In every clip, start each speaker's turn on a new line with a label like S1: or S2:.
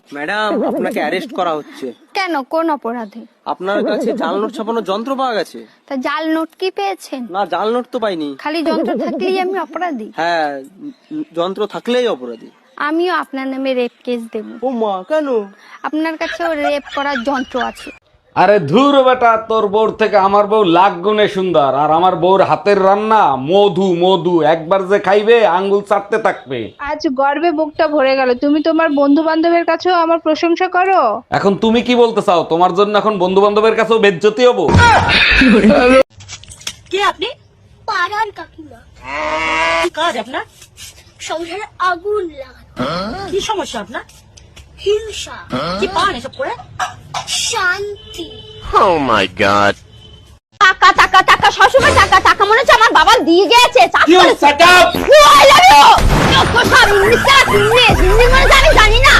S1: Madam আপনাকে arrest করা হচ্ছে।
S2: কেন, কোন অপরাধে?
S1: আপনার কাছে জাল নোট ছাপানোর যন্ত্র পাওয়া গেছে।
S2: তা জাল নোট কি পেয়েছেন?
S1: না, জাল নোট তো পাইনি।
S2: খালি যন্ত্র থাকলেই আমি অপরাধী?
S1: হ্যাঁ, যন্ত্র থাকলেই অপরাধী।
S2: আমিও আপনার নামে রেপ কেস দেব।
S1: ও মা, কেন?
S2: আপনার কাছেও রেপ করার যন্ত্র আছে।
S3: আরে ধুর বেটা, তোর বউর থেকে আমার বউ লাখ গুণে সুন্দর। আর আমার বউর হাতের রান্না মধু মধু, একবার যে খাইবে আঙ্গুল চাটতে থাকবে।
S4: আজ গর্বে বুকটা ভরে গেল। তুমি তোমার বন্ধু বান্ধবের কাছেও আমার প্রশংসা করো।
S3: এখন তুমি কি বলতে চাও? তোমার জন্য এখন বন্ধু বান্ধবের কাছেও বেজ্জতি হবো?
S5: কে আপনি? পাড়ার কাকিমা। কি কাজ আপনার? সংসারে আগুন লাগানো। কি সমস্যা আপনার? হিংসা। কি পান এসব করে? শান্তি।
S6: Oh my god.
S7: টাকা টাকা টাকা, সবসময় টাকা টাকা মনে হচ্ছে আমার বাবা দিয়ে গেছে। জানি না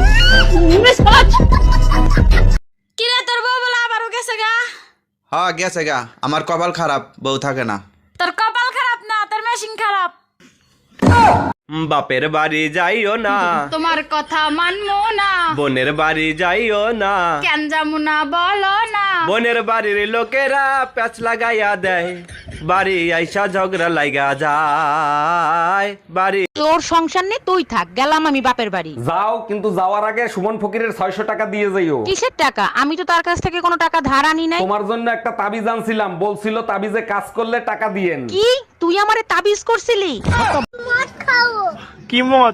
S5: কিরে তোর বউ বলে আবারও গেছে গা?
S8: হ্যাঁ গেছে গা, আমার কপাল খারাপ, বউ থাকে না।
S5: তোর কপাল খারাপ না, তোর মেশিন খারাপ।
S1: বাপের বাড়ি যাইও না,
S2: তোমার কথা মানবো না।
S1: বোনের বাড়ি যাইও না,
S2: কেন যাবো না বলো না।
S1: বোনের বাড়ির লোকেরা প্যাচ লাগাইয়া দেয়, বাড়ি আইসা ঝগড়া লাগা যায়। বাড়ি
S7: তোর সংসার নেই, তুই থাক, গেলাম আমি বাপের বাড়ি।
S3: যাও, কিন্তু যাওয়ার আগে সুমন ফকিরের 600 টাকা দিয়ে যাইও।
S7: কিসের টাকা? আমি তো তার কাছ থেকে কোনো টাকা ধার আনি নাই।
S3: তোমার জন্য একটা তাবিজ আনছিলাম, বলছিল তাবিজে কাজ করলে টাকা দিয়েন।
S7: কি তুই আমারে তাবিজ করছিলি?
S5: মদ খাও।
S1: কি মত?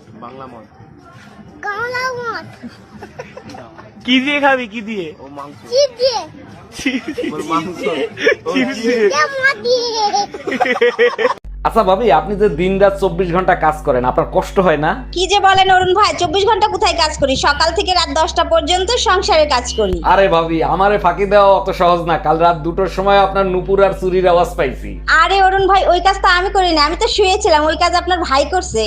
S5: গাঁলা মদ।
S1: কি দিয়ে খাবি? কি দিয়ে?
S5: চিপ দিয়ে। মদ দিয়ে।
S3: আচ্ছা ভাবি, আপনি যে দিন রাত 24 ঘন্টা কাজ করেন, আপনার কষ্ট হয় না?
S9: কি যে বলেন অরুণ ভাই, 24 ঘন্টা কোথায় কাজ করি? সকাল থেকে রাত 10টা পর্যন্ত সংসারে কাজ করি।
S3: আরে ভাবি, আমারে ফাঁকি দেওয়া অত সহজ না। কাল রাত 2টোর সময় আপনার নুপুর আর চুরির আওয়াজ পাইছি।
S9: আরে অরুণ ভাই, ওই কাজ তো আমি করি না, আমি তো শুয়েছিলাম। ওই কাজ আপনার ভাই করছে।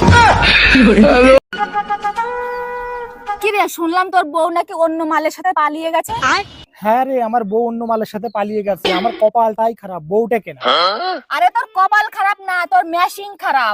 S7: কি রে, শুনলাম তোর বউ নাকি অন্য মালের সাথে পালিয়ে গেছে।
S10: হ্যাঁ রে, আমার বউ অন্য মালের সাথে পালিয়ে গেছে। আমার কপালটাই খারাপ, বউটা কেনা।
S7: আরে তোর কপাল খারাপ না, তোর মেশিন খারাপ।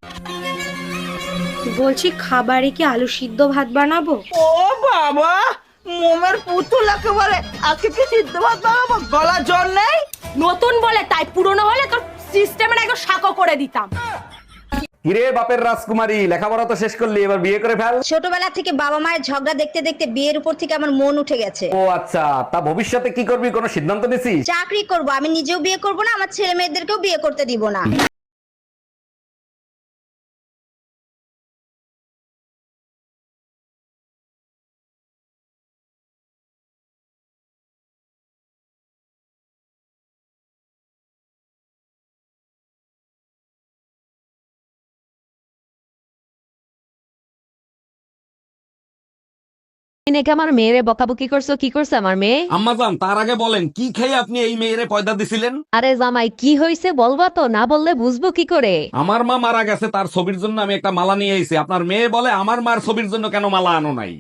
S4: বলছি খাবারে কি আলু সিদ্ধ ভাত বানাবো?
S11: ও বাবা, মোমের পুতুল একেবারে। আজকে কি সিদ্ধ ভাত বানাবো? গলা জ্বর নেই?
S7: নতুন বলে তাই, পুরনো হলে তোর সিস্টেমের একদম সাকো করে দিতাম।
S3: কিরে বাপের রাজকুমারী, লেখাপড়া তো শেষ করলি, এবার বিয়ে করে ফেল।
S9: ছোটবেলা থেকে বাবা মায়ের ঝগড়া দেখতে দেখতে বিয়ের উপর থেকে আমার মন উঠে গেছে।
S3: ও আচ্ছা, তা ভবিষ্যতে কি করবি, কোনো সিদ্ধান্ত নিছিস?
S9: চাকরি করব, আমি নিজেও বিয়ে করব না, আমার ছেলে মেয়েদেরকেও বিয়ে করতে দিব না।
S7: নাকি আমার মেয়েরে বকাবকি করছো, কি করছে আমার মেয়ে?
S3: আম্মাজান, তার আগে বলেন কি খেয়ে আপনি এই মেয়েরে পয়দা দিছিলেন?
S7: আরে জামাই, কি হয়েছে বলবা তো, না বললে বুঝবো কি করে?
S3: আমার মা মারা গেছে, তার ছবির জন্য আমি একটা মালা নিয়ে এসেছি। আপনার মেয়ে বলে আমার মার ছবির জন্য কেন মালা আনো নাই?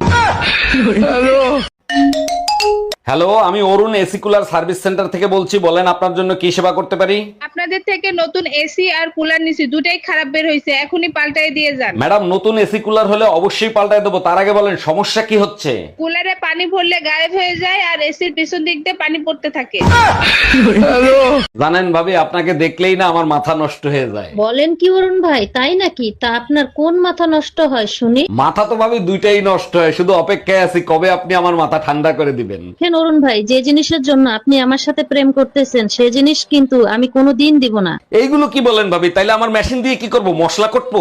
S3: হ্যালো, আমি Arun AC cooler service centre থেকে বলছি। বলেন আপনার জন্য কি সেবা করতে পারি?
S4: আপনাদের থেকে নতুন এসি আর কুলার নিছি, দুটাই খারাপ বের হয়েছে, এখনই পাল্টাই দিয়ে যান।
S3: ম্যাডাম, নতুন এসি কুলার হলে অবশ্যই পাল্টায় দেবো। তার আগে বলেন সমস্যা কি হচ্ছে?
S4: কুলারে পানি ভরলে গায়েব হয়ে যায় আর এসির পিছন দিক দিয়ে পানি পড়তে থাকে।
S3: জানেন ভাবি, আপনাকে দেখলেই না আমার মাথা নষ্ট হয়ে যায়।
S7: বলেন কি অরুণ ভাই, তাই নাকি? তা আপনার কোন মাথা নষ্ট হয় শুনি?
S3: মাথা তো ভাবি দুইটাই নষ্ট হয়, শুধু অপেক্ষায় আছি কবে আপনি আমার মাথা ঠান্ডা করে দিবেন।
S7: কেন অরুণ ভাই, যে জিনিসের জন্য আপনি আমার সাথে প্রেম করতেছেন সেই জিনিস কিন্তু আমি কোনোদিন দিব না।
S3: এইগুলো কি বলেন ভাবি? তাইলে আমার মেশিন দিয়ে কি করব? মশলা কটবো?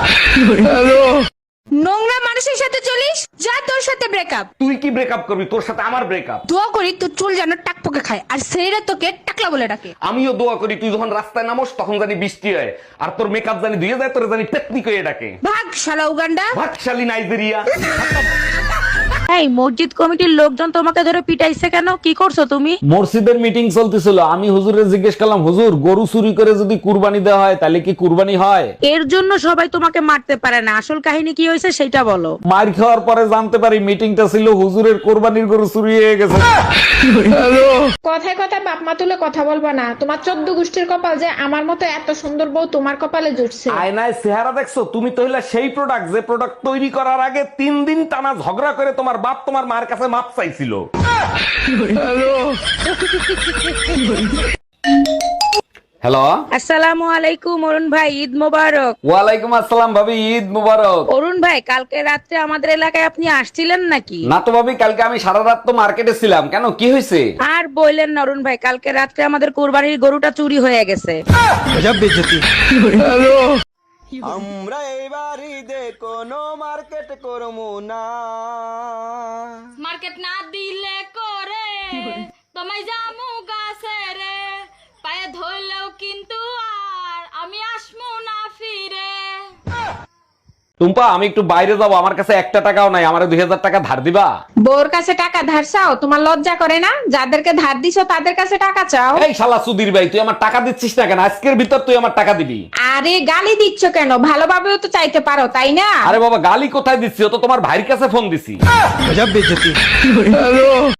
S4: নোংরা মানুষের সাথে চলিস, যা তোর সাথে ব্রেকআপ।
S3: তুই কি ব্রেকআপ করবি? তোর সাথে আমার ব্রেকআপ।
S4: দোয়া করি তোর চুল যেন টাকপোকে খায় আর ছেলেরা তোকে টাকলা বলে ডাকে।
S3: আমিও দোয়া করি তুই যখন রাস্তায় নামোস তখন জানি বৃষ্টি হয়, আর তোর মেকআপ জানি ধুয়ে যায়, তোর জানি টেকনিক হয়ে ডাকে।
S4: ভাগ শালা উগান্ডা।
S3: ভাগশালী নাইজেরিয়া।
S7: এই মসজিদ কমিটির লোকজন তোমাকে ধরে পিটাইছে কেন? কি করছো তুমি?
S3: মসজিদের মিটিং চলতেছিল, আমি হুজুরে জিজ্ঞেস করলাম, হুজুর গরু চুরি করে যদি কুরবানি দেওয়া হয় তাহলে কি কুরবানি হয়?
S7: এর জন্য সবাই তোমাকে মারতে পারে না, আসল কাহিনী কি হয়েছে সেটা বলো।
S3: মার খাওয়ার পরে জানতে পারি মিটিংটা ছিল হুজুরের কোরবানির গরু চুরি হয়ে গেছে।
S4: কথায় কথায় বাপ মা তুলে কথা বলবা না। তোমার 14 গোষ্ঠীর কপাল যে আমার মতো এত সুন্দর বউ তোমার কপালে জুটছে।
S3: আয়নায় চেহারা দেখছো? তুমি তো হইলা সেই প্রোডাক্ট যে প্রোডাক্ট তৈরি করার আগে 3 দিন টানা ঝগড়া করে তোমার বাপ তোমার মার কাছে মাপ চাইছিল। হ্যালো,
S7: আসসালামু আলাইকুম অরুণ ভাই, ঈদ মোবারক।
S3: ওয়ালাইকুম আসসালাম ভাবি, ঈদ মুবারক।
S7: অরুণ ভাই, কালকে রাত্রে আমাদের এলাকায় আপনি আসছিলেন নাকি?
S3: না তো ভাবি, কালকে আমি সারা রাত তো মার্কেটে ছিলাম। কেন, কি হয়েছে?
S7: আর বললেন না অরুণ ভাই, কালকে রাত্রে আমাদের কুরবানির গরুটা চুরি হয়ে গেছে।
S1: আমরা এবার ঈদে কোনো মার্কেট করবো না।
S2: মার্কেট না দিলে করে তোমায় জামু গাছে রে, পায়ে ধরলেও কিন্তু আর আমি আসমু না ফিরে।
S3: টুম্পা, আমি একটু বাইরে যাবো, আমার কাছে 1 টাকাও নাই, আমারে 2000 টাকা ধার দিবা?
S4: বউর কাছে টাকা ধার চাও? তোমার লজ্জা করে না? যাদেরকে ধার দিছো তাদের কাছে টাকা চাও।
S3: এই শালা সুধীর ভাই, তুই আমার টাকা দিচ্ছিস না কেন? আজকের ভিতর তুই আমার টাকা দিবি।
S4: আরে গালি দিচ্ছ কেন? ভালোভাবেও তো চাইতে পারো, তাই না?
S3: আরে বাবা, গালি কোথায় দিচ্ছি? ও তো তোমার ভাইয়ের কাছে ফোন দিছি।